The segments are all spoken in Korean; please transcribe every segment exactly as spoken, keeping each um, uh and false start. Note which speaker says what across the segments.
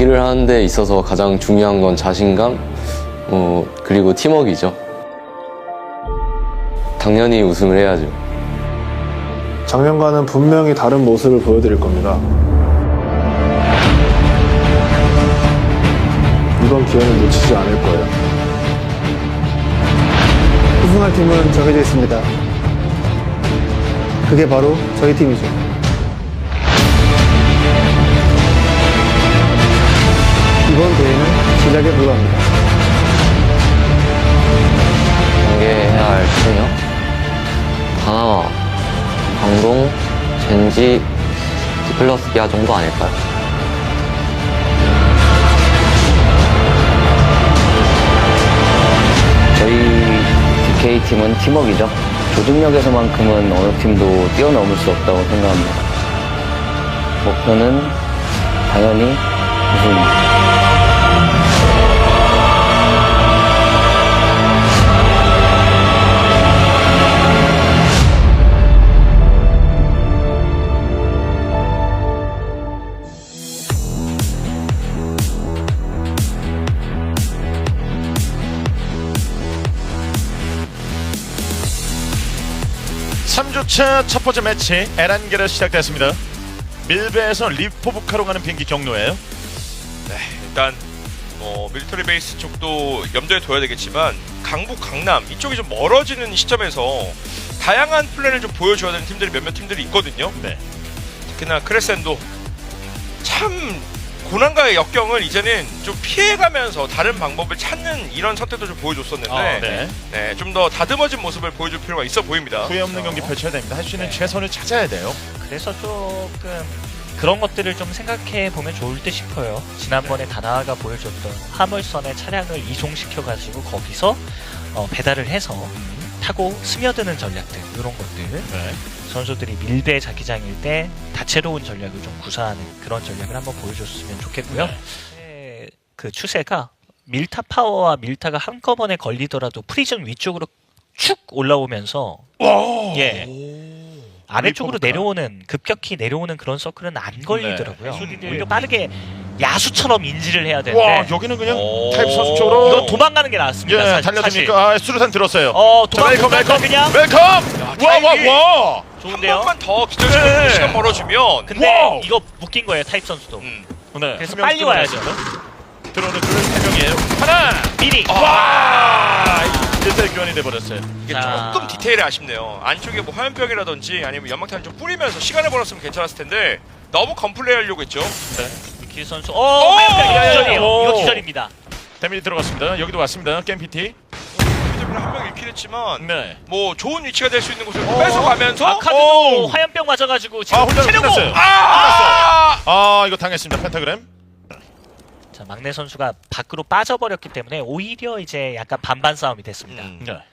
Speaker 1: 경기를 하는 데 있어서 가장 중요한 건 자신감, 어, 그리고 팀워크이죠. 당연히 우승을 해야죠.
Speaker 2: 작년과는 분명히 다른 모습을 보여드릴 겁니다. 이번 기회는 놓치지 않을 거예요.
Speaker 3: 우승할 팀은 정해져 있습니다. 그게 바로 저희 팀이죠. 이번 대회는 시작에 불과합니다.
Speaker 1: 경계해야 할 팀이요? 다나와, 광동, 젠지, 디플러스 기아 정도 아닐까요?
Speaker 4: 저희 디케이팀은 팀워크이죠. 조직력에서만큼은 어느 팀도 뛰어넘을 수 없다고 생각합니다. 목표는 당연히 우승입니다.
Speaker 5: 삼 주차 첫 번째 매치 에란게르 시작됐습니다. 밀베에서 리포브카로 가는 비행기 경로예요.
Speaker 6: 네, 일단 뭐 밀리터리 베이스 쪽도 염두에 둬야 되겠지만 강북, 강남 이쪽이 좀 멀어지는 시점에서 다양한 플랜을 좀 보여줘야 되는 팀들이 몇몇 팀들이 있거든요.
Speaker 5: 네.
Speaker 6: 특히나 크레센도 참 고난과의 역경을 이제는 좀 피해가면서 다른 방법을 찾는 이런 선택도 좀 보여줬었는데
Speaker 5: 아, 네.
Speaker 6: 네, 좀 더 다듬어진 모습을 보여줄 필요가 있어 보입니다.
Speaker 5: 후회 없는 경기 펼쳐야 됩니다. 할 수 있는
Speaker 7: 네.
Speaker 5: 최선을 찾아야 돼요.
Speaker 7: 그래서 조금 그런 것들을 좀 생각해 보면 좋을 듯 싶어요. 지난번에 다나아가 보여줬던 화물선에 차량을 이송시켜가지고 거기서 어, 배달을 해서 타고 스며드는 전략들, 이런 것들.
Speaker 5: 네.
Speaker 7: 선수들이 밀배 자기장일 때 다채로운 전략을 좀 구사하는 그런 전략을 한번 보여줬으면 좋겠고요. 네. 그 추세가 밀타 파워와 밀타가 한꺼번에 걸리더라도 프리즌 위쪽으로 축 올라오면서 예 아래쪽으로
Speaker 5: 리포브카.
Speaker 7: 내려오는, 급격히 내려오는 그런 서클은 안 걸리더라고요.
Speaker 5: 네.
Speaker 7: 오히려 빠르게 야수처럼 인지를 해야 되는데
Speaker 5: 와, 여기는 그냥
Speaker 6: 오.
Speaker 5: 타입 선수 쪽으로
Speaker 7: 이건 도망가는 게 나았습니다.
Speaker 5: 예,
Speaker 7: 사- 사실.
Speaker 5: 달려듭니까? 아, 수류탄 들었어요.
Speaker 7: 어
Speaker 5: 자, 웰컴,
Speaker 7: 도망가
Speaker 5: 웰컴,
Speaker 7: 그냥
Speaker 5: 웰컴! 와, 와,
Speaker 6: 타이밍이.
Speaker 5: 와!
Speaker 6: 한
Speaker 7: 좋은데요.
Speaker 6: 번만 더 기절시키고
Speaker 5: 네.
Speaker 6: 시간 벌어주면
Speaker 7: 근데
Speaker 5: 와우.
Speaker 7: 이거 묶인 거예요, 타입 선수도.
Speaker 6: 음.
Speaker 5: 네,
Speaker 7: 그래서
Speaker 5: 한명
Speaker 7: 빨리 와야죠.
Speaker 5: 들어오는 둘 세 명이에요. 하나!
Speaker 7: 미리.
Speaker 5: 와! 일대 교환이 돼버렸어요.
Speaker 6: 이게
Speaker 7: 자.
Speaker 6: 조금 디테일이 아쉽네요. 안쪽에 뭐 화염병이라든지 아니면 연막탄 좀 뿌리면서 시간을 벌었으면 괜찮았을 텐데 너무 건플레이 하려고 했죠.
Speaker 7: 기 선수. 어, 화염병 이거 기절이에요.
Speaker 5: 오.
Speaker 7: 이거 기절입니다.
Speaker 5: 데미지 들어갔습니다. 여기도 왔습니다. 게임 피티.
Speaker 6: 한명 잃긴 했지만
Speaker 5: 네.
Speaker 6: 뭐 좋은 위치가 될 수 있는 곳을 뺏어가면서
Speaker 7: 아카드도
Speaker 5: 오.
Speaker 7: 화염병 맞아가지고 지금
Speaker 5: 아, 혼자
Speaker 7: 체력고.
Speaker 5: 끝났어요.
Speaker 6: 아!
Speaker 5: 아, 이거 당했습니다. 펜타그램.
Speaker 7: 자, 막내 선수가 밖으로 빠져버렸기 때문에 오히려 이제 약간 반반 싸움이 됐습니다.
Speaker 6: 음.
Speaker 5: 네.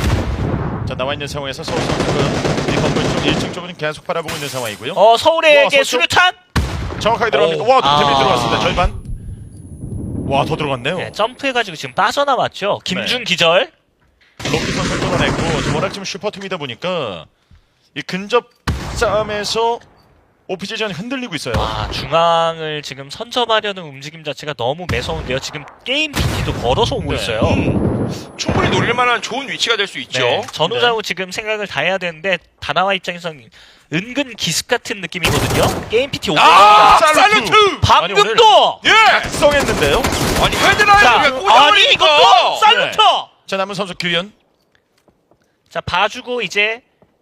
Speaker 5: 자, 나와 있는 상황에서 서울 선수가 이 건물 쪽 일 층 쪽은 계속 바라보고 있는 상황이고요.
Speaker 7: 어, 서울에게
Speaker 5: 와, 서쪽?
Speaker 7: 수류탄.
Speaker 5: 정확하게 들어갑니까?
Speaker 6: 오.
Speaker 5: 와, 또 데미지
Speaker 7: 아.
Speaker 5: 들어갔습니다. 절반. 와, 더 들어갔네요.
Speaker 7: 네, 점프해가지고 지금 빠져나왔죠. 김준
Speaker 5: 네.
Speaker 7: 기절.
Speaker 5: 로키 선수 뚫어냈고 워낙 지금 슈퍼팀이다 보니까 이 근접 싸움에서 오피지전이 흔들리고 있어요.
Speaker 7: 아, 중앙을 지금 선점하려는 움직임 자체가 너무 매서운데요. 지금 게임 피티도 걸어서 오고
Speaker 5: 네.
Speaker 7: 있어요.
Speaker 6: 음, 충분히 노릴 만한 좋은 위치가 될 수 있죠.
Speaker 7: 네, 전후좌우 지금 생각을 다 해야 되는데 다나와 입장에서는 은근 기습 같은 느낌이거든요. 게임 피티 오고
Speaker 6: 아,
Speaker 7: 있습니다.
Speaker 6: 살루트!
Speaker 5: 아니, 오늘
Speaker 7: 방금도
Speaker 6: 예!
Speaker 5: 각성했는데요.
Speaker 6: 아니
Speaker 7: 자,
Speaker 6: 헤드라인을
Speaker 7: 아니
Speaker 6: 꽂아버리니까
Speaker 7: 이것도 살루트.
Speaker 5: 자, 남은 선수 규현.
Speaker 7: 자, 봐주고 이제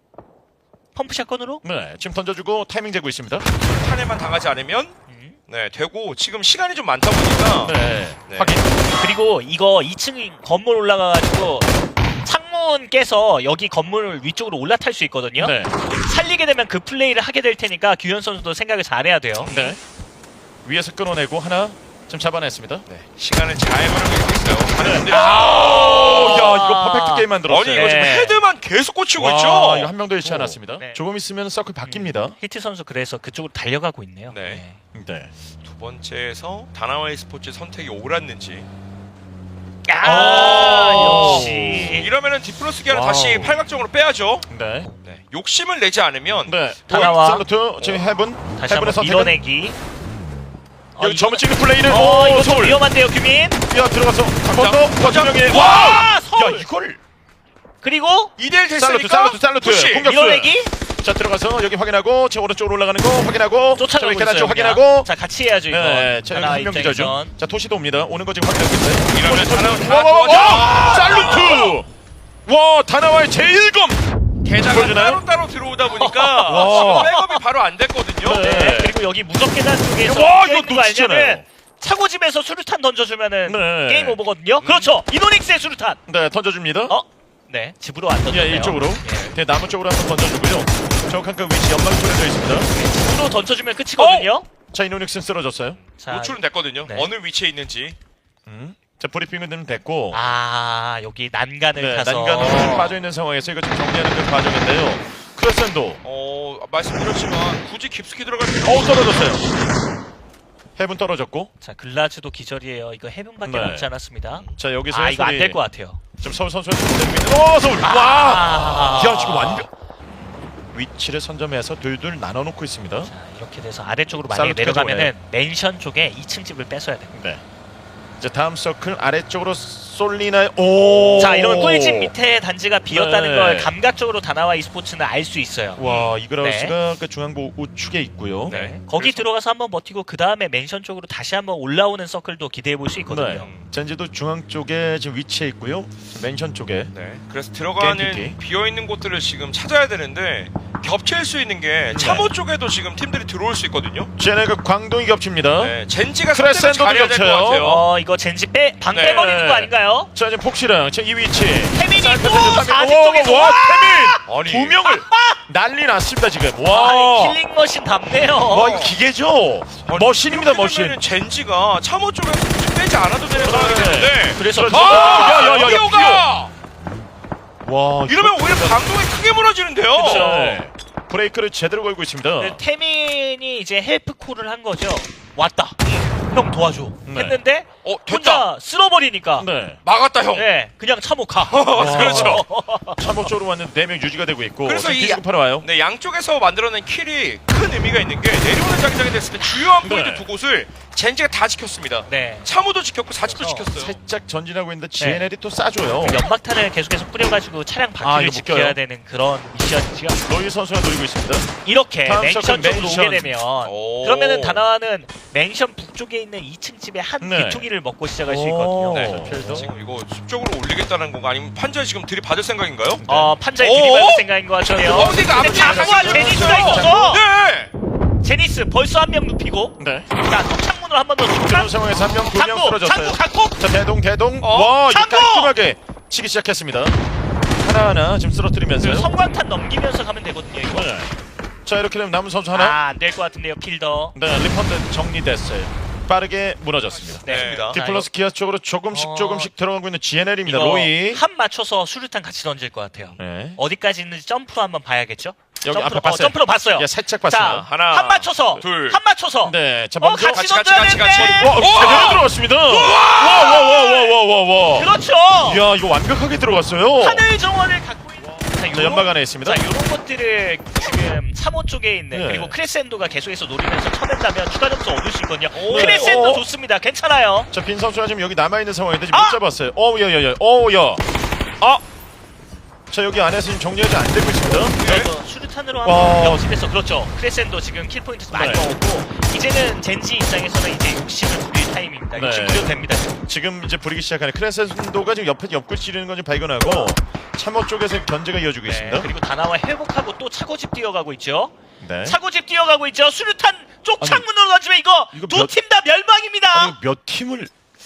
Speaker 7: 펌프샷건으로.
Speaker 5: 네, 지금 던져주고 타이밍 재고 있습니다.
Speaker 6: 탄에만 당하지 않으면
Speaker 7: 음.
Speaker 6: 네 되고 지금 시간이 좀 많다 보니까
Speaker 5: 네,
Speaker 6: 네.
Speaker 5: 확인.
Speaker 7: 그리고 이거 이 층 건물 올라가가지고 창문 깨서 여기 건물 위쪽으로 올라탈 수 있거든요.
Speaker 5: 네,
Speaker 7: 살리게 되면 그 플레이를 하게 될 테니까 규현 선수도 생각을 잘해야 돼요.
Speaker 5: 네. 위에서 끊어내고 하나 좀 잡아냈습니다.
Speaker 6: 네, 시간을 잘 활용하고 있어요. 다른 분들이
Speaker 5: 오, 야, 이거 퍼펙트 게임 만들었어요.
Speaker 6: 아니 이거 지금
Speaker 7: 네.
Speaker 6: 헤드만 계속 꽂히고
Speaker 5: 와,
Speaker 6: 있죠.
Speaker 5: 이거 한 명도 잃지 않았습니다.
Speaker 7: 네.
Speaker 5: 조금 있으면 서클 바뀝니다.
Speaker 7: 히트 선수 그래서 그쪽으로 달려가고 있네요.
Speaker 6: 네.
Speaker 5: 네.
Speaker 6: 두 번째에서 다나와이 스포츠 선택이 옳았는지
Speaker 7: 아,
Speaker 5: 오.
Speaker 7: 역시.
Speaker 6: 이러면은 디플러스 기아는
Speaker 5: 와우.
Speaker 6: 다시 팔각정으로 빼야죠.
Speaker 5: 네.
Speaker 6: 네, 욕심을 내지 않으면
Speaker 5: 네.
Speaker 7: 다나와.
Speaker 5: 살루트 지금 해븐.
Speaker 7: 다시
Speaker 5: 해븐의
Speaker 7: 한번
Speaker 5: 선택은
Speaker 7: 밀어내기.
Speaker 5: 여기 점을 찍는 플레이를
Speaker 7: 어,
Speaker 5: 오,
Speaker 7: 이거 좀
Speaker 5: 서울.
Speaker 7: 위험한데요, 규민.
Speaker 5: 야 들어가서 건너 권준영이
Speaker 7: 와,
Speaker 5: 와!
Speaker 7: 서울.
Speaker 5: 야 이걸
Speaker 7: 그리고
Speaker 6: 이 대 일
Speaker 5: 살루트
Speaker 6: 됐으니까
Speaker 5: 살루트 살루트
Speaker 6: 푸시.
Speaker 5: 공격수.
Speaker 7: 밀어내기.
Speaker 5: 자 들어가서 여기 확인하고 제 오른쪽으로 올라가는 거 확인하고
Speaker 7: 쫓아가고
Speaker 5: 저 계단
Speaker 7: 있어요.
Speaker 5: 쪽
Speaker 7: 그냥.
Speaker 5: 확인하고
Speaker 7: 자, 같이 해야죠, 이거.
Speaker 5: 네, 자 여기
Speaker 7: 하나
Speaker 5: 한명 기자죠.
Speaker 7: 입장에선.
Speaker 5: 자 토시도 옵니다. 오는 거 지금 확인했겠어요.
Speaker 6: 이러면
Speaker 5: 토시, 토시.
Speaker 6: 다나-
Speaker 5: 와, 와, 와, 와!
Speaker 6: 아,
Speaker 5: 살루트. 와 다나와의 제일검.
Speaker 6: 게다가
Speaker 5: 보여주나요?
Speaker 6: 따로 따로 들어오다 보니까
Speaker 5: 와.
Speaker 6: 지금 백업이 바로 안 됐거든요.
Speaker 5: 네.
Speaker 7: 네. 그리고 여기 무적 계단 쪽에서
Speaker 5: 와,
Speaker 7: 껴
Speaker 5: 이거
Speaker 7: 있는 거
Speaker 5: 놓치잖아요.
Speaker 7: 알면은 차고집에서 수류탄 던져주면은
Speaker 5: 네.
Speaker 7: 게임 오버거든요. 그렇죠. 이노닉스의 수류탄.
Speaker 5: 네 던져줍니다.
Speaker 7: 어? 네, 집으로 안 던졌네요.
Speaker 5: 예, 이쪽으로.
Speaker 7: 예.
Speaker 5: 네, 나무 쪽으로 한번 던져주고요. 정확한 그 위치 연막 뿌려져 있습니다.
Speaker 7: 집으로 던져주면 끝이거든요.
Speaker 5: 자, 이노닉스는 쓰러졌어요.
Speaker 7: 자,
Speaker 6: 노출은 됐거든요.
Speaker 7: 네.
Speaker 6: 어느 위치에 있는지.
Speaker 5: 음. 자, 브리핑은 좀 됐고.
Speaker 7: 아, 여기 난간을
Speaker 5: 네,
Speaker 7: 타서
Speaker 5: 난간으로 좀 빠져있는 상황에서 이거 좀 정리하는 그 과정인데요. 크레센도.
Speaker 6: 어 말씀드렸지만 굳이 깊숙이 들어갈 필요
Speaker 5: 어우, 떨어졌어요. 해븐 떨어졌고.
Speaker 7: 자, 글라즈도 기절이에요. 이거 해븐밖에
Speaker 5: 네.
Speaker 7: 남지 않았습니다.
Speaker 5: 자, 여기서
Speaker 7: 아, 이거 안
Speaker 5: 소리-
Speaker 7: 될 것 같아요.
Speaker 5: 지금 서울 선수한테 들리고 있는. 오, 서울! 와!
Speaker 7: 아.
Speaker 5: 야, 지금 완벽. 위치를 선점해서 둘둘 나눠놓고 있습니다.
Speaker 7: 자, 이렇게 돼서 아래쪽으로 만약에
Speaker 5: 살루트까지
Speaker 7: 내려가면은 맨션 쪽에 이 층 집을 뺏어야 됩니다.
Speaker 5: 네. 이제 다음 서클 아래쪽으로 쏠리나요? 오!
Speaker 7: 자, 이러면 꿀집 밑에 단지가 비었다는
Speaker 5: 네.
Speaker 7: 걸 감각적으로 다나와 e스포츠는 알 수 있어요.
Speaker 5: 와, 이그라우스가 그 중앙부 우측에 있고요.
Speaker 7: 네. 거기 들어가서 한번 버티고 그 다음에 맨션 쪽으로 다시 한번 올라오는 서클도 기대해 볼 수 있거든요.
Speaker 5: 네. 젠지도 중앙 쪽에 지금 위치해 있고요. 맨션 쪽에.
Speaker 6: 네. 그래서 들어가는
Speaker 5: 게임피키.
Speaker 6: 비어 있는 곳들을 지금 찾아야 되는데 겹칠 수 있는 게 참호 쪽에도 지금 팀들이 들어올 수 있거든요.
Speaker 5: 쟤네 그 광동이 겹칩니다.
Speaker 6: 네. 젠지가
Speaker 5: 크레센도도
Speaker 6: 선택을 잘해야 될 것
Speaker 5: 겹쳐요.
Speaker 6: 같아요.
Speaker 7: 어, 이거 젠지 빼, 방
Speaker 6: 네.
Speaker 7: 빼버리는 거 아닌가요?
Speaker 5: 자, 이제 폭시랑 제 이 위치.
Speaker 7: 태민이
Speaker 5: 자,
Speaker 7: 또
Speaker 5: 태민,
Speaker 7: 사십
Speaker 5: 와,
Speaker 7: 쪽에서
Speaker 5: 와,
Speaker 7: 와!
Speaker 5: 태민!
Speaker 6: 아니.
Speaker 5: 두 명을 난리 났습니다, 지금.
Speaker 7: 아,
Speaker 5: 와.
Speaker 7: 힐링머신 답네요.
Speaker 5: 와, 이거 기계죠? 머신입니다,
Speaker 6: 이렇게
Speaker 5: 머신.
Speaker 6: 되면은 젠지가 참호 쪽에서 굳이 빼지 않아도 되는 상황이 되는데
Speaker 7: 그래서
Speaker 5: 아, 야, 야, 야, 야,
Speaker 6: 피오가
Speaker 5: 와,
Speaker 6: 이러면 오히려 방송이 크게 무너지는데요.
Speaker 5: 네. 브레이크를 제대로 걸고 있습니다.
Speaker 7: 네, 태민이 이제 헬프 콜을 한 거죠. 왔다. 형 도와줘.
Speaker 5: 네.
Speaker 7: 했는데
Speaker 6: 어, 됐다.
Speaker 7: 혼자 쓸어버리니까.
Speaker 5: 네.
Speaker 6: 막았다 형.
Speaker 7: 네, 그냥 참호 가.
Speaker 6: 그렇죠.
Speaker 5: 참호 쪽으로 왔는데 네 명 유지가 되고 있고.
Speaker 6: 그래서
Speaker 5: 지금
Speaker 6: 이
Speaker 5: 뒤집어 와요.
Speaker 6: 네, 양쪽에서 만들어낸 킬이 큰 의미가 있는 게 내려오는 자기장이 됐을 때 주요한 포인트
Speaker 5: 네.
Speaker 6: 두 곳을 젠지가 다 지켰습니다.
Speaker 7: 네.
Speaker 6: 참호도 지켰고 사직도
Speaker 7: 그래서
Speaker 6: 지켰어요.
Speaker 5: 살짝 전진하고 있는데 지엔엘이 또 싸줘요.
Speaker 7: 연막탄을 계속해서 뿌려가지고 차량
Speaker 5: 아,
Speaker 7: 바퀴를
Speaker 5: 이거
Speaker 7: 지켜야
Speaker 5: 묶여요?
Speaker 7: 되는 그런 미션이죠.
Speaker 5: 로이 선수가 노리고 있습니다.
Speaker 7: 이렇게
Speaker 5: 다음
Speaker 7: 맨션
Speaker 5: 서클
Speaker 7: 쪽으로
Speaker 5: 맨션.
Speaker 7: 오게 되면
Speaker 6: 오.
Speaker 7: 그러면은 다나와는 맨션 북쪽에 있는 이 층 집에 한
Speaker 5: 네.
Speaker 7: 귀퉁이를 먹고 시작할 수
Speaker 5: 오.
Speaker 7: 있거든요.
Speaker 5: 네.
Speaker 7: 그래서
Speaker 6: 지금 이거 숲쪽으로 올리겠다는 건가 아니면 판자 지금 들이받을 생각인가요?
Speaker 7: 어, 판자에
Speaker 6: 오.
Speaker 7: 들이받을 생각인 것 같은데요.
Speaker 6: 어, 근데 이거
Speaker 7: 근데
Speaker 6: 앞뒤
Speaker 7: 자꾸와
Speaker 6: 가시죠.
Speaker 7: 제니스가 있어서
Speaker 6: 네.
Speaker 7: 제니스 벌써 한 명 눕히고
Speaker 5: 네.
Speaker 7: 자, 또 창문을 한 번 더
Speaker 5: 그런
Speaker 7: 뚫고
Speaker 5: 상황에서 한 명, 두 명
Speaker 7: 창고,
Speaker 5: 쓰러졌어요.
Speaker 7: 창고, 창고.
Speaker 5: 자, 대동, 대동.
Speaker 6: 어?
Speaker 5: 와, 이거
Speaker 7: 창고!
Speaker 5: 깔끔하게 치기 시작했습니다. 하나하나 지금 쓰러뜨리면서요.
Speaker 7: 성광탄 넘기면서 가면 되거든요, 이거.
Speaker 5: 네. 자, 이렇게 되면 남은 선수 하나.
Speaker 7: 아, 안 될 것 같은데요, 필더.
Speaker 5: 네, 리펀드 정리됐어요. 빠르게 무너졌습니다.
Speaker 7: 네.
Speaker 6: 자,
Speaker 5: 디플러스 기아 쪽으로 조금씩
Speaker 7: 어.
Speaker 5: 조금씩 들어가고 있는 지엔엘입니다.
Speaker 7: 이거
Speaker 5: 로이.
Speaker 7: 한 맞춰서 수류탄 같이 던질 것 같아요.
Speaker 5: 네.
Speaker 7: 어디까지 있는지 점프로 한번 봐야겠죠?
Speaker 5: 여기
Speaker 7: 점프로,
Speaker 5: 앞에
Speaker 7: 어,
Speaker 5: 봤어요.
Speaker 7: 점프로 봤어요.
Speaker 5: 예, 살짝
Speaker 7: 자,
Speaker 5: 봤습니다.
Speaker 6: 하나,
Speaker 7: 한 맞춰서,
Speaker 6: 둘.
Speaker 7: 한 맞춰서.
Speaker 5: 네, 자
Speaker 7: 어,
Speaker 5: 먼저
Speaker 7: 같이
Speaker 6: 같이,
Speaker 7: 던져야
Speaker 6: 같이, 같이,
Speaker 7: 되는데.
Speaker 5: 와,
Speaker 6: 우와!
Speaker 5: 제대로 들어갔습니다. 와, 와, 와, 와, 와, 와, 와.
Speaker 7: 그렇죠.
Speaker 5: 이야, 이거 완벽하게 들어갔어요.
Speaker 7: 하늘 정원을 갖고 있는. 자,
Speaker 5: 자, 연막 안에 있습니다.
Speaker 7: 자, 이런 것들을 지금 삼 호 쪽에 있는
Speaker 5: 네.
Speaker 7: 그리고 크레센도가 계속해서 노리면서 쳐낸다면 추가 점수 얻을 수 있거든요.
Speaker 5: 네.
Speaker 7: 크레센도
Speaker 5: 어.
Speaker 7: 좋습니다. 괜찮아요.
Speaker 5: 자, 빈 선수가 지금 여기 남아 있는 상황인데 지금
Speaker 7: 아!
Speaker 5: 못 잡았어요. 어, 야, 야, 야, 어, 야. 아, 자 여기 안에서 지금 정리하지 안 되고 있습니다.
Speaker 7: 자, 이거 수류탄으로
Speaker 5: 와.
Speaker 7: 한번 역습해서 그렇죠. 크레센도 지금 킬 포인트 많이
Speaker 5: 네.
Speaker 7: 넣었고 이제는 젠지 입장에서는 이제 욕심을 부릴 타이밍입니다.
Speaker 5: 네.
Speaker 7: 욕심 부려도 됩니다. 지금.
Speaker 5: 지금 이제 부리기 시작하는 크레센도가 지금 옆에 옆구리 찌르는 건 좀 발견하고 참호 쪽에서 견제가 이어지고
Speaker 7: 네.
Speaker 5: 있습니다.
Speaker 7: 그리고 다나와 회복하고 또 차고집 뛰어가고 있죠.
Speaker 5: 네.
Speaker 7: 차고집 뛰어가고 있죠. 수류탄 쪽
Speaker 5: 아니,
Speaker 7: 창문으로 던지면 이거
Speaker 5: 이거
Speaker 7: 두
Speaker 5: 몇-
Speaker 7: 팀 다 멸망입니다.
Speaker 5: 아니, 몇 팀을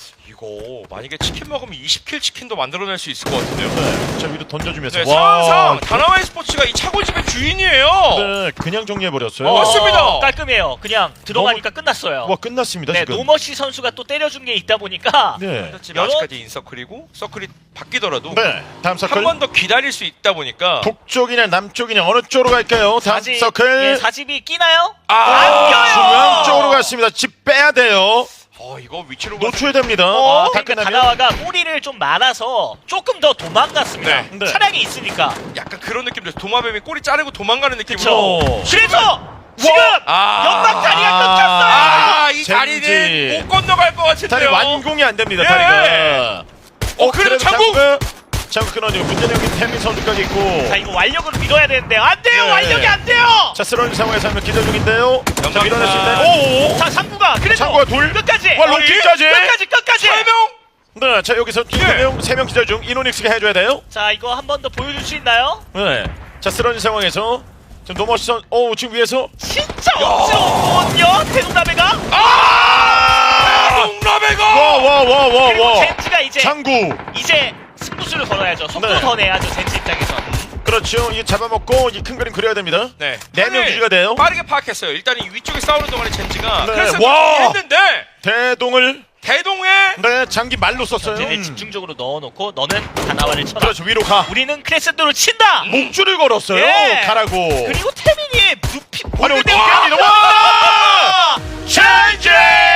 Speaker 6: 이거 만약에 치킨 먹으면 이십 킬 치킨도 만들어낼 수 있을 것 같은데요.
Speaker 5: 네. 자 위로 던져주면서
Speaker 6: 네, 상황상 다나와이 스포츠가 이 차고집의 주인이에요.
Speaker 5: 네, 그냥 정리해 버렸어요.
Speaker 7: 어,
Speaker 6: 맞습니다.
Speaker 7: 깔끔해요. 그냥 들어가니까 끝났어요.
Speaker 5: 와 끝났습니다
Speaker 7: 네,
Speaker 5: 지금.
Speaker 7: 노머시 선수가 또 때려준 게 있다 보니까
Speaker 5: 네.
Speaker 6: 지금 아직까지 인서클이고 서클이 바뀌더라도
Speaker 5: 네. 다음 서클.
Speaker 6: 한 번 더 기다릴 수 있다 보니까
Speaker 5: 북쪽이냐 남쪽이냐 어느 쪽으로 갈까요? 다음
Speaker 7: 사집,
Speaker 5: 서클.
Speaker 7: 예, 사집이 끼나요?
Speaker 6: 아,
Speaker 7: 안 껴요!
Speaker 5: 중앙 쪽으로 갔습니다. 집 빼야 돼요.
Speaker 6: 어 이거 위치로
Speaker 5: 노출이 됩니다.
Speaker 7: 어,
Speaker 5: 다
Speaker 7: 그러니까
Speaker 5: 끝나면.
Speaker 7: 다나와가 꼬리를 좀 말아서 조금 더 도망갔습니다.
Speaker 6: 네.
Speaker 5: 네.
Speaker 7: 차량이 있으니까.
Speaker 6: 약간 그런 느낌도 도마뱀이 꼬리 자르고 도망가는 느낌으로
Speaker 7: 그쵸.
Speaker 5: 오.
Speaker 7: 그래서 지금
Speaker 6: 아.
Speaker 7: 연막 다리가 끊겼어요.
Speaker 6: 아, 이
Speaker 5: 젠지.
Speaker 6: 다리는 못 건너갈 것
Speaker 5: 다리
Speaker 6: 같은데요.
Speaker 5: 완공이 안 됩니다.
Speaker 6: 예.
Speaker 5: 다리가.
Speaker 6: 어, 그래도 장구.
Speaker 5: 장구 끊어지고 문제는 여기 태민 선수까지 있고.
Speaker 7: 자 이거 완력으로 밀어야 되는데 안 돼요.
Speaker 5: 네.
Speaker 7: 완력이 안 돼요.
Speaker 5: 자 쓰러진 상황에서 한명 기절 중인데요. 자
Speaker 6: 연막이다.
Speaker 5: 밀어낼 수 있나요? 오.
Speaker 7: 자 상구가 그래도
Speaker 5: 상구가 둘.
Speaker 7: 끝까지.
Speaker 5: 와, 롱킥까지.
Speaker 7: 끝까지 끝까지.
Speaker 6: 세 명.
Speaker 5: 네, 자 여기서 두 명, 세 명 기절 중 이노닉스가 해줘야 돼요.
Speaker 7: 자 이거 한 번 더 보여줄 수 있나요?
Speaker 5: 네. 자 쓰러진 상황에서 지금 노머시선. 오 지금 위에서.
Speaker 7: 진짜 없었거든요. 대동남해가.
Speaker 6: 아! 롱라베가.
Speaker 5: 와와와와
Speaker 7: 그리고
Speaker 5: 와.
Speaker 7: 젠지가 이제
Speaker 5: 장구.
Speaker 7: 이제 승부수를 걸어야죠. 속도
Speaker 5: 네.
Speaker 7: 더 내야죠. 젠지 입장에서.
Speaker 5: 그렇죠. 이게 잡아먹고 이 큰 그림 그려야 됩니다.
Speaker 6: 네.
Speaker 5: 네 명
Speaker 6: 판을
Speaker 5: 유지가 돼요.
Speaker 6: 빠르게 파악했어요. 일단 이 위쪽에 싸우는 동안에 젠지가
Speaker 5: 네.
Speaker 6: 그래서
Speaker 5: 와!
Speaker 6: 했는데
Speaker 5: 대동을
Speaker 6: 대동에
Speaker 5: 네 장기 말로 썼어요.
Speaker 7: 전진에
Speaker 5: 음.
Speaker 7: 집중적으로 넣어놓고 너는 다나와를 쳐라.
Speaker 5: 그렇죠. 위로 가.
Speaker 7: 우리는 크레센도를 친다.
Speaker 5: 목줄을 걸었어요.
Speaker 7: 예.
Speaker 5: 가라고.
Speaker 7: 그리고 태민이 눕히
Speaker 5: 아니
Speaker 7: 보는데
Speaker 5: 어떻게 합니다. 와! 젠지!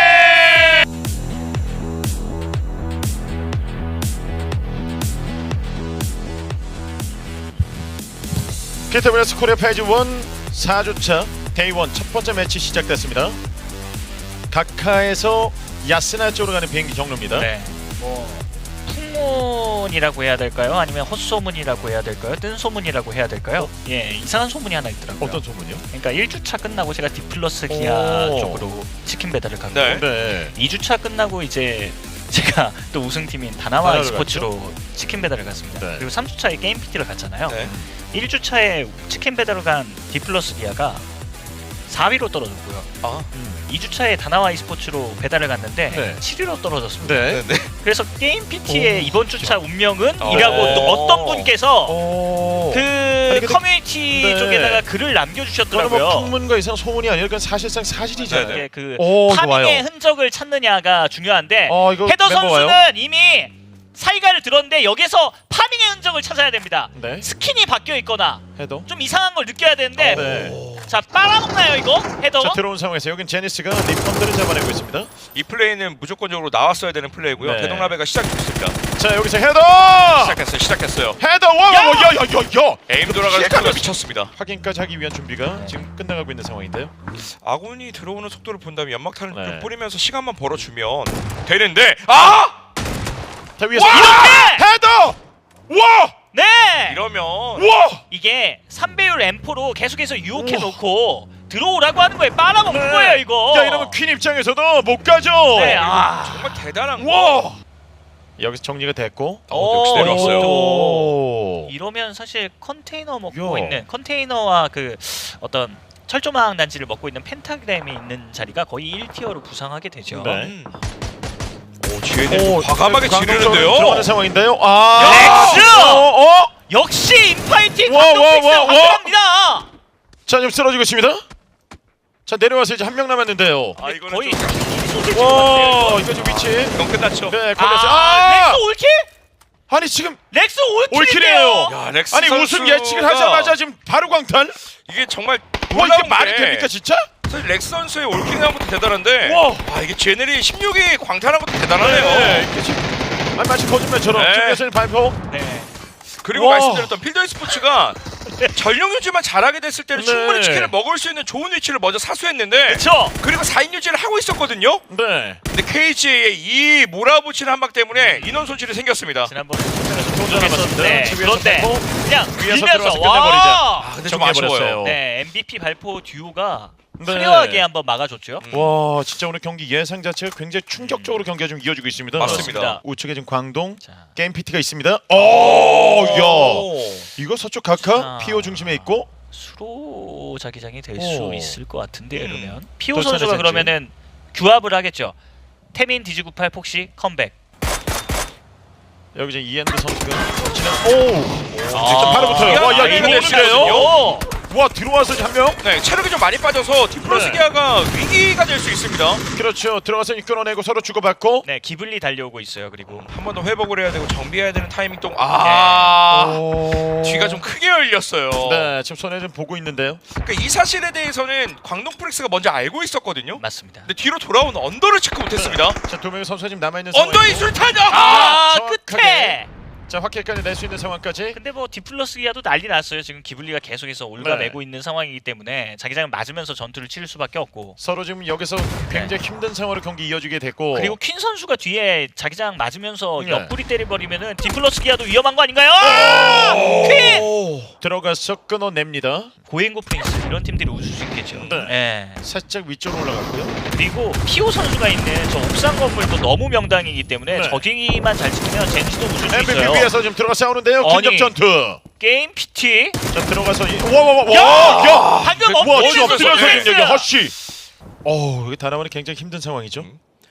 Speaker 5: 케이티브레스 코리아 페이지 일 사 주차 데이 일 첫 번째 매치 시작됐습니다. 각하에서 야스나 쪽으로 가는 비행기 경로입니다.
Speaker 7: 네. 뭐 풍문이라고 해야 될까요? 아니면 헛소문이라고 해야 될까요? 뜬소문이라고 해야 될까요? 예, 이상한 소문이 하나 있더라고요.
Speaker 5: 어떤 소문이요?
Speaker 7: 그러니까 일 주차 끝나고 제가 디플러스 기아
Speaker 5: 오.
Speaker 7: 쪽으로 치킨 배달을 갔고
Speaker 6: 네.
Speaker 5: 네.
Speaker 7: 이 주차 끝나고 이제 제가 또 우승팀인 다나와
Speaker 5: 다나와를
Speaker 7: e스포츠로 치킨 배달을 갔습니다.
Speaker 5: 네.
Speaker 7: 그리고 삼 주차에 게임 피티를 갔잖아요.
Speaker 6: 네.
Speaker 7: 일 주차에 치킨 배달을 간 디플러스 기아가 사 위로 떨어졌고요.
Speaker 6: 아.
Speaker 7: 이 주차에 다나와 e스포츠로 배달을 갔는데
Speaker 5: 네.
Speaker 7: 칠 위로 떨어졌습니다.
Speaker 5: 네.
Speaker 6: 네.
Speaker 7: 그래서 게임 피티의
Speaker 5: 오,
Speaker 7: 이번 주차 운명은
Speaker 6: 어.
Speaker 7: 이라고 또 어떤 분께서
Speaker 5: 오.
Speaker 7: 그
Speaker 5: 아니, 근데-
Speaker 7: 커뮤니티
Speaker 5: 네.
Speaker 7: 쪽에다가 글을
Speaker 5: 그건 뭐
Speaker 7: 남겨주셨더라고요.
Speaker 5: 풍문과 이상 소문이 아니라 그건 사실상 사실이잖아요.
Speaker 6: 네, 네.
Speaker 7: 이게 그
Speaker 5: 오,
Speaker 7: 파밍의
Speaker 5: 좋아요.
Speaker 7: 흔적을 찾느냐가 중요한데
Speaker 5: 어, 이거
Speaker 7: 헤더
Speaker 5: 멤버
Speaker 7: 선수는
Speaker 5: 와요?
Speaker 7: 이미 사이가를 들었는데 여기서 파밍의 흔적을 찾아야 됩니다.
Speaker 5: 네.
Speaker 7: 스킨이 바뀌어 있거나
Speaker 5: 헤더.
Speaker 7: 좀 이상한 걸 느껴야 되는데
Speaker 5: 네.
Speaker 7: 자 빨아먹나요 이거 헤더가?
Speaker 5: 자 들어온 상황에서 여긴 제니스가 리펀드를 잡아내고 있습니다.
Speaker 6: 이 플레이는 무조건적으로 나왔어야 되는 플레이고요.
Speaker 5: 네.
Speaker 6: 대동라베가 시작됐습니다.
Speaker 5: 자 여기서 헤더.
Speaker 6: 시작했어요. 시작했어요.
Speaker 5: 헤더. 와야야야야.
Speaker 6: 에임 돌아가는 속도가 미쳤습니다.
Speaker 5: 확인까지 하기 위한 준비가 지금 끝나가고 있는 상황인데요.
Speaker 6: 아군이 들어오는 속도를 본다면 연막탄을
Speaker 5: 네.
Speaker 6: 좀 뿌리면서 시간만 벌어주면 되는데 아!
Speaker 5: 자 위에서
Speaker 6: 와!
Speaker 7: 이렇게!
Speaker 5: 헤더. 와.
Speaker 7: 네!
Speaker 6: 이러면
Speaker 5: 와.
Speaker 7: 이게 삼 배율 엠포로 계속해서 유혹해 놓고 들어오라고 하는 거예요. 빨아먹는 거예요 이거.
Speaker 5: 야 이러면 퀸 입장에서도 못 가죠.
Speaker 7: 네, 아.
Speaker 6: 정말 대단한 거.
Speaker 5: 와. 여기서 정리가 됐고.
Speaker 6: 어, 역시 내려왔어요.
Speaker 5: 오.
Speaker 7: 이러면 사실 컨테이너 먹고
Speaker 5: 야.
Speaker 7: 있는 컨테이너와 그 어떤 철조망 단지를 먹고 있는 펜타그램이 있는 자리가 거의 일 티어로 부상하게 되죠.
Speaker 5: 네.
Speaker 6: 음. 오, 지혜는 과감하게 지르는데요.
Speaker 5: 들어가는 상황인데요. 아.
Speaker 7: 렉스!
Speaker 5: 어, 어?
Speaker 7: 역시 인파이팅
Speaker 5: 와, 와,
Speaker 7: 감독픽스가
Speaker 5: 와, 와.
Speaker 7: 확실합니다.
Speaker 5: 자 지금 쓰러지고 있습니다. 자 내려와서 이제 한 명 남았는데요.
Speaker 6: 아, 이거는
Speaker 7: 거의
Speaker 6: 좀
Speaker 7: 소세지
Speaker 5: 와
Speaker 7: 같은데요.
Speaker 5: 이거 지금 위치.
Speaker 6: 이건 끝났죠.
Speaker 5: 네 걸렸어요.
Speaker 7: 아,
Speaker 5: 아,
Speaker 7: 렉스 올킬?
Speaker 5: 아니 지금
Speaker 7: 렉스
Speaker 5: 올킬이에요.
Speaker 7: 올킬이에요.
Speaker 6: 야, 렉스
Speaker 5: 아니
Speaker 6: 선수가
Speaker 5: 우승 예측을 하자마자 지금 바로 광탈.
Speaker 6: 이게 정말
Speaker 5: 와
Speaker 6: 놀라운
Speaker 5: 이게 말이
Speaker 6: 게
Speaker 5: 됩니까 진짜?
Speaker 6: 사실 렉스 선수의 올킬이 한 것도 대단한데
Speaker 5: 와.
Speaker 6: 아 이게 제넬이 십육 위 광탈한 것도 대단하네요.
Speaker 5: 네, 이게 지금 아니 마치 거짓말처럼
Speaker 6: 네.
Speaker 5: 지금 예선이 발표.
Speaker 7: 네.
Speaker 6: 그리고
Speaker 5: 와.
Speaker 6: 말씀드렸던 필더 e스포츠가 전력 유지만 잘하게 됐을 때는
Speaker 5: 네.
Speaker 6: 충분히 치킨을 먹을 수 있는 좋은 위치를 먼저 사수했는데
Speaker 7: 그렇죠.
Speaker 6: 그리고 사 인 유지를 하고 있었거든요.
Speaker 5: 네.
Speaker 6: 근데 케이지의 이 몰아붙이는 한방 때문에 인원 손실이 생겼습니다.
Speaker 7: 지난번에
Speaker 5: 동전 남았습니다.
Speaker 7: 네,
Speaker 5: 집에서
Speaker 7: 그런데
Speaker 5: 뺏고
Speaker 7: 그냥
Speaker 5: 위에서
Speaker 7: 밀면서
Speaker 5: 들어가서 끝내버리자.
Speaker 7: 와.
Speaker 6: 아, 근데 좀
Speaker 5: 정리해버렸어요.
Speaker 6: 아쉬워요.
Speaker 7: 네, 엠브이피 발포 듀오가
Speaker 5: 네.
Speaker 7: 화려하게 한번 막아줬죠.
Speaker 5: 와 진짜 오늘 경기 예상 자체가 굉장히 충격적으로 경기가 좀 이어지고 있습니다.
Speaker 6: 맞습니다.
Speaker 5: 우측에 지금 광동
Speaker 7: 자,
Speaker 5: 게임 피티가 있습니다. 오, 야
Speaker 6: 오.
Speaker 5: 이거 서쪽 각하
Speaker 7: 아.
Speaker 5: 피오 중심에 있고.
Speaker 7: 수로 자기장이 될
Speaker 5: 오.
Speaker 7: 수 있을 것 같은데
Speaker 5: 음.
Speaker 7: 이러면 피오
Speaker 5: 또
Speaker 7: 선수가
Speaker 5: 차례
Speaker 7: 그러면은 규합을 하겠죠. 태민 디지구팔 폭시 컴백.
Speaker 5: 여기 이제 이엔드 선수가 치는 오 진짜
Speaker 7: 아.
Speaker 5: 바로 붙어요. 와야
Speaker 6: 이거
Speaker 5: 이거
Speaker 6: 됐어요.
Speaker 5: 오는데요?
Speaker 7: 오!
Speaker 5: 와 들어와서 한 명.
Speaker 6: 네, 체력이 좀 많이 빠져서 디플러스
Speaker 5: 네.
Speaker 6: 기아가 위기가 될 수 있습니다.
Speaker 5: 그렇죠. 들어가서 끌어내고 서로 주고받고.
Speaker 7: 네, 기블리 달려오고 있어요. 그리고
Speaker 6: 한 번 더 회복을 해야 되고 정비해야 되는 타이밍 동 아,
Speaker 5: 오.
Speaker 6: 뒤가 좀 크게 열렸어요.
Speaker 5: 네 지금 손에 좀 보고 있는데요.
Speaker 6: 그러니까 이 사실에 대해서는 광동 프릭스가 먼저 알고 있었거든요.
Speaker 7: 맞습니다.
Speaker 6: 근데 뒤로 돌아온 언더를 체크 못했습니다.
Speaker 5: 자 두 명의 선수가 지금 남아 있는
Speaker 6: 언더의 술탄!
Speaker 7: 아,
Speaker 5: 정확하게.
Speaker 7: 끝에
Speaker 5: 자, 확킬까지 낼 수 있는 상황까지.
Speaker 7: 근데 뭐 디플러스 기아도 난리 났어요. 지금 기블리가 계속해서 올가매고
Speaker 5: 네.
Speaker 7: 있는 상황이기 때문에 자기장을 맞으면서 전투를 치를 수밖에 없고.
Speaker 5: 서로 지금 여기서 굉장히 힘든 상황으로 경기 이어지게 됐고.
Speaker 7: 그리고 퀸 선수가 뒤에 자기장 맞으면서
Speaker 5: 네.
Speaker 7: 옆구리 때려버리면은 디플러스 기아도 위험한 거 아닌가요?
Speaker 5: 오!
Speaker 7: 퀸!
Speaker 5: 들어가서 끊어냅니다.
Speaker 7: 고행고 프린스 이런 팀들이 웃을 수 있겠죠.
Speaker 5: 네.
Speaker 7: 예.
Speaker 5: 살짝 위쪽으로 올라갔고요.
Speaker 7: 그리고 피오 선수가 있는 저 옥상 건물도 너무 명당이기 때문에
Speaker 5: 네.
Speaker 7: 저기만 잘 지키면 젠지도 웃을 수
Speaker 5: 엠비피
Speaker 7: 있어요.
Speaker 5: 위에서 지금 들어가 싸우는데요.
Speaker 7: 아니.
Speaker 5: 긴접 전투.
Speaker 7: 게임 피티.
Speaker 5: 자, 들어가서 이- 와, 와, 와,
Speaker 7: 야!
Speaker 5: 와, 야!
Speaker 7: 방금
Speaker 5: 와,
Speaker 7: 엎드려서
Speaker 5: 지금 엎드려서
Speaker 7: 선택했어요.
Speaker 5: 지금 여기 허쉬. 어, 여기 다나와는 굉장히 힘든 상황이죠.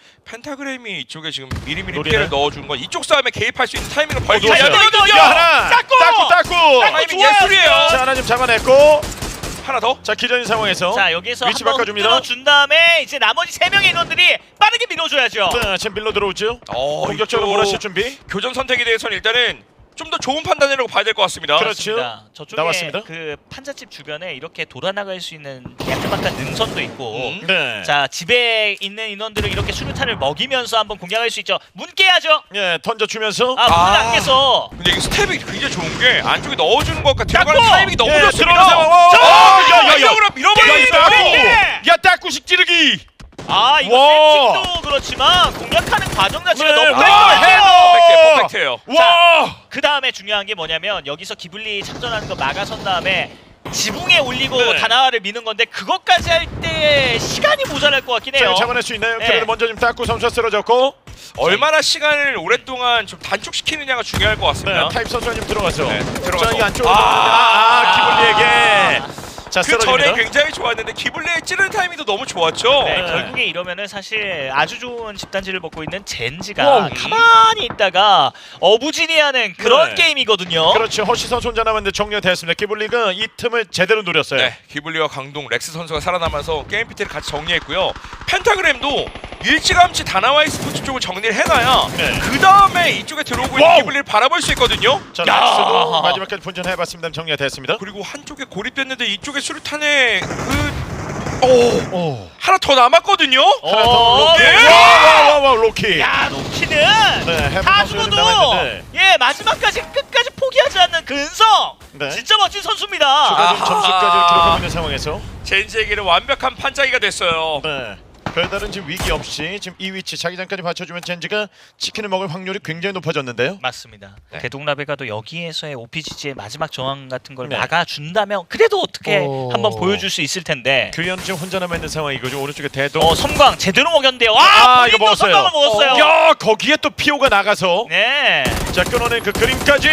Speaker 6: 펜타그램이 이쪽에 지금 미리미리
Speaker 5: 노리네.
Speaker 6: 피해를 넣어준 건 이쪽 싸움에 개입할 수 있는 타이밍을 벌기
Speaker 5: 놓았어요.
Speaker 6: 위해서
Speaker 5: 야, 하나.
Speaker 7: 닦고!
Speaker 5: 닦고, 닦고.
Speaker 6: 타이밍
Speaker 7: 좋아요,
Speaker 6: 예술이에요.
Speaker 5: 자, 하나 지금 잡아냈고.
Speaker 6: 하나 더.
Speaker 5: 자, 기전인 상황에서.
Speaker 7: 자 여기서
Speaker 5: 위치
Speaker 7: 한번
Speaker 5: 바꿔줍니다.
Speaker 7: 흔들어준 다음에 이제 나머지 세 명의 인원들이 빠르게 밀어줘야죠.
Speaker 5: 자, 지금 밀로 들어오죠.
Speaker 6: 어,
Speaker 5: 공격적으로
Speaker 6: 이쪽
Speaker 5: 몰아칠 준비.
Speaker 6: 교전 선택에 대해서는 일단은 좀 더 좋은 판단이라고 봐야 될 것 같습니다.
Speaker 5: 그렇죠.
Speaker 7: 맞습니다. 저쪽에
Speaker 5: 나왔습니다.
Speaker 7: 그 판자집 주변에 이렇게 돌아나갈 수 있는 야트막한 능선도 있고.
Speaker 6: 음.
Speaker 5: 네.
Speaker 7: 자 집에 있는 인원들을 이렇게 수류탄을 먹이면서 한번 공략할 수 있죠. 문 깨야죠.
Speaker 5: 예, 던져주면서.
Speaker 7: 아 문을
Speaker 6: 아.
Speaker 7: 안 깨서.
Speaker 6: 근데 이게 스텝이 굉장히 좋은 게 안쪽에 넣어주는 것과 들어가는
Speaker 7: 닦고!
Speaker 6: 타이밍이 너무
Speaker 5: 예,
Speaker 6: 좋습니다.
Speaker 5: 들어오는 상황. 와,
Speaker 6: 자,
Speaker 5: 와, 야, 야, 야.
Speaker 6: 이쪽으로 밀어버립니다.
Speaker 7: 예!
Speaker 5: 야, 딱구식 찌르기.
Speaker 7: 아 이거
Speaker 5: 와.
Speaker 7: 세팅도 그렇지만 공략하는 과정 자체가
Speaker 5: 네,
Speaker 7: 너무
Speaker 5: 와,
Speaker 7: 깔끔해요.
Speaker 5: 해머.
Speaker 6: 퍼펙트예요, 퍼펙트예요.
Speaker 5: 와.
Speaker 7: 그 다음에 중요한 게 뭐냐면 여기서 기블리 참전하는 거 막아선 다음에 지붕에 올리고
Speaker 5: 네.
Speaker 7: 다나와를 미는 건데 그것까지 할 때 시간이 모자랄 것 같긴 해요.
Speaker 5: 자, 잡아낼 수 있나요?
Speaker 7: 네.
Speaker 5: 그래도 먼저 지금 딱구 선수가 쓰러졌고.
Speaker 6: 얼마나 시간을 오랫동안 좀 단축시키느냐가 중요할 것
Speaker 5: 네,
Speaker 6: 같습니다.
Speaker 5: 타입 선수가 지금 들어가서.
Speaker 6: 네, 들어가서.
Speaker 5: 자, 이 안쪽으로.
Speaker 6: 아.
Speaker 5: 아, 아, 기블리에게. 자,
Speaker 6: 그 전에
Speaker 5: 쓰러집니다.
Speaker 6: 굉장히 좋았는데 기블레의 찌르는 타이밍도 너무 좋았죠.
Speaker 7: 네,
Speaker 5: 네.
Speaker 7: 결국에 이러면은 사실 아주 좋은 집단지를 먹고 있는 젠지가
Speaker 5: 와우.
Speaker 7: 가만히 있다가 어부지리하는 그런
Speaker 5: 네.
Speaker 7: 게임이거든요.
Speaker 5: 그렇죠. 허시 선수 혼자 남았는데 정리가 됐습니다. 기블리가 이 틈을 제대로 노렸어요.
Speaker 6: 네, 기블리와 강동, 렉스 선수가 살아남아서 게임 피티를 같이 정리했고요. 펜타그램도 일찌감치 다나와이 스포츠 쪽을 정리를 해놔야
Speaker 5: 네.
Speaker 6: 그 다음에 이쪽에 들어오고 있는
Speaker 5: 와우.
Speaker 6: 기블리를 바라볼 수 있거든요.
Speaker 5: 자,
Speaker 7: 야.
Speaker 5: 렉스도 마지막까지 분전해봤습니다. 정리가 됐습니다.
Speaker 6: 그리고 한쪽에 고립됐는데 이쪽에 수류탄에 그... 오,
Speaker 5: 오.
Speaker 6: 하나 더 남았거든요.
Speaker 5: 하나 더
Speaker 7: 어,
Speaker 5: 로키.
Speaker 7: 네.
Speaker 5: 와와와 로키.
Speaker 7: 야 로키는
Speaker 5: 네, 해본
Speaker 7: 다
Speaker 5: 선수가
Speaker 7: 죽어도
Speaker 5: 남았는데.
Speaker 7: 예 마지막까지 끝까지 포기하지 않는 근성.
Speaker 5: 네.
Speaker 7: 진짜 멋진 선수입니다.
Speaker 5: 추가 지금
Speaker 6: 아하.
Speaker 5: 점수까지 기록하고 있는 상황에서.
Speaker 6: 젠지에게는 완벽한 판짜기가 됐어요.
Speaker 5: 네. 별다른 지금 위기 없이 지금 이 위치 자기장까지 받쳐주면 젠지가 치킨을 먹을 확률이 굉장히 높아졌는데요.
Speaker 7: 맞습니다.
Speaker 6: 네.
Speaker 7: 대동라베가도 여기에서의 오피지지의 마지막 저항 같은 걸
Speaker 5: 네.
Speaker 7: 막아준다면 그래도 어떻게
Speaker 3: 오.
Speaker 7: 한번 보여줄 수 있을 텐데.
Speaker 5: 규현 지금 혼자 남아 있는 상황이고 지금 오른쪽에 대동.
Speaker 7: 어 섬광 제대로 먹였는데요. 와
Speaker 5: 아,
Speaker 7: 본인도
Speaker 5: 이거 먹었어요.
Speaker 7: 섬광을 먹었어요.
Speaker 5: 야, 거기에 또 피오가 나가서
Speaker 7: 네.
Speaker 5: 자 끊어낸 그 그림까지.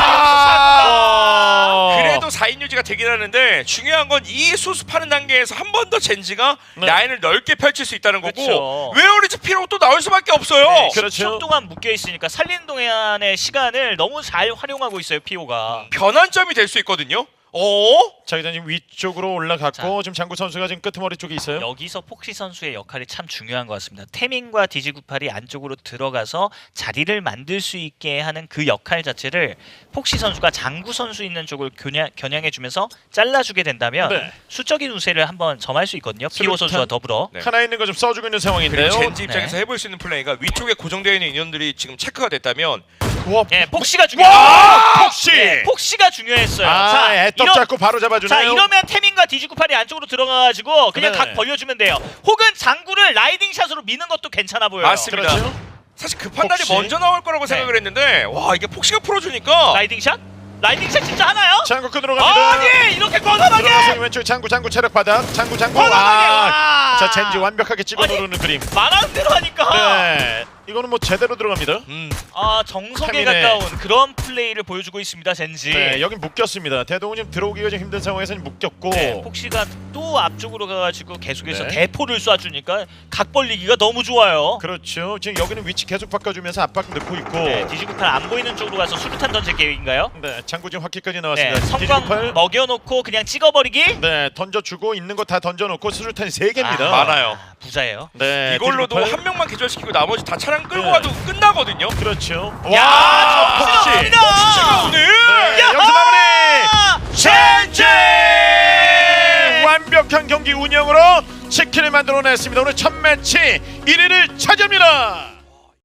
Speaker 6: 아, 그래도 사 인 유지가 되긴 하는데 중요한 건 이 수습하는 단계에서 한 번 더 젠지가
Speaker 5: 네.
Speaker 6: 라인을 넓게 펼칠 수 있다는 거고
Speaker 7: 그쵸.
Speaker 6: 웨어리즈 피로 또 나올 수밖에 없어요.
Speaker 7: 네,
Speaker 5: 그렇죠.
Speaker 7: 십 초 동안 묶여 있으니까 살리는 동안의 시간을 너무 잘 활용하고 있어요 피오가.
Speaker 6: 변환점이 될 수 있거든요. 어?
Speaker 5: 자기장 지금 위쪽으로 올라갔고 지금 장구 선수가 지금 끄트머리 쪽에 있어요.
Speaker 7: 여기서 폭시 선수의 역할이 참 중요한 것 같습니다. 태민과 디지구팔이 안쪽으로 들어가서 자리를 만들 수 있게 하는 그 역할 자체를 폭시 선수가 장구 선수 있는 쪽을 겨냥, 겨냥해주면서 잘라주게 된다면
Speaker 5: 네.
Speaker 7: 수적인 우세를 한번 점할 수 있거든요. 피오
Speaker 5: 수류탄.
Speaker 7: 선수와 더불어.
Speaker 6: 네.
Speaker 5: 하나 있는 거 좀 써주고 있는 상황인데요.
Speaker 6: 그리고 젠지 입장에서
Speaker 7: 네.
Speaker 6: 해볼 수 있는 플레이가 위쪽에 고정되어 있는 인원들이 지금 체크가 됐다면
Speaker 5: 와,
Speaker 7: 예, 폭시가 중요.
Speaker 5: 와, 폭시.
Speaker 7: 네, 폭시가 중요했어요.
Speaker 5: 아,
Speaker 7: 자,
Speaker 5: 애떡
Speaker 7: 이러-
Speaker 5: 잡고 바로 잡아주네요.
Speaker 7: 자 이러면 태민과 디지구팔이 안쪽으로 들어가가지고 그냥
Speaker 5: 네.
Speaker 7: 각 벌려주면 돼요. 혹은 장구를 라이딩 샷으로 미는 것도 괜찮아 보여요.
Speaker 6: 맞습니다.
Speaker 5: 그렇죠.
Speaker 6: 사실 그 판단이
Speaker 5: 폭시.
Speaker 6: 먼저 나올 거라고
Speaker 7: 네.
Speaker 6: 생각을 했는데 와 이게 폭시가 풀어주니까
Speaker 7: 라이딩 샷? 라이딩 샷 진짜 하나요?
Speaker 5: 장구 끈으로 갑니다.
Speaker 7: 아니 이렇게 과감하게!
Speaker 5: 들어가서 왼쪽 장구 장구 체력 바닥. 장구 장구.
Speaker 7: 과감하게!
Speaker 5: 아,
Speaker 7: 와!
Speaker 5: 자 젠지 완벽하게 찍어
Speaker 7: 아니,
Speaker 5: 누르는 그림.
Speaker 7: 말하는 대로 하니까
Speaker 5: 네, 이거는 뭐 제대로 들어갑니다.
Speaker 6: 음.
Speaker 7: 아 정석에
Speaker 5: 태민의-
Speaker 7: 가까운 그런 플레이를 보여주고 있습니다 젠지.
Speaker 5: 네, 여긴 묶였습니다. 대동은 지금 들어오기가 좀 힘든 상황에서 묶였고.
Speaker 7: 네, 폭시가 또 앞쪽으로 가가지고 계속해서
Speaker 5: 네.
Speaker 7: 대포를 쏴주니까 각 벌리기가 너무 좋아요.
Speaker 5: 그렇죠. 지금 여기는 위치 계속 바꿔주면서 압박 넣고 있고.
Speaker 7: 네, 디지구팔 안 보이는 쪽으로 가서 수류탄 던질 계획인가요?
Speaker 5: 네, 장구 지금 확기까지
Speaker 7: 네,
Speaker 5: 나왔습니다.
Speaker 7: 성광
Speaker 5: 디지털.
Speaker 7: 먹여놓고 그냥 찍어버리기?
Speaker 5: 네, 던져주고 있는 거 다 던져놓고 수류탄이 세 개입니다.
Speaker 7: 아,
Speaker 6: 많아요.
Speaker 7: 부자예요.
Speaker 5: 네,
Speaker 6: 이걸로도
Speaker 5: 디지털.
Speaker 6: 한 명만 기절시키고 나머지 다 차량 끌고
Speaker 5: 네.
Speaker 6: 가도 끝나거든요.
Speaker 5: 그렇죠.
Speaker 7: 야,
Speaker 5: 와,
Speaker 7: 폭시
Speaker 5: 폭시.
Speaker 7: 나옵니다.
Speaker 6: 폭시가 오늘
Speaker 5: 네,
Speaker 7: 야호!
Speaker 5: 여기서 마무리.
Speaker 7: 젠지!
Speaker 5: 완벽한 경기 운영으로 치킨을 만들어냈습니다. 오늘 첫 매치 일 위를 차지합니다.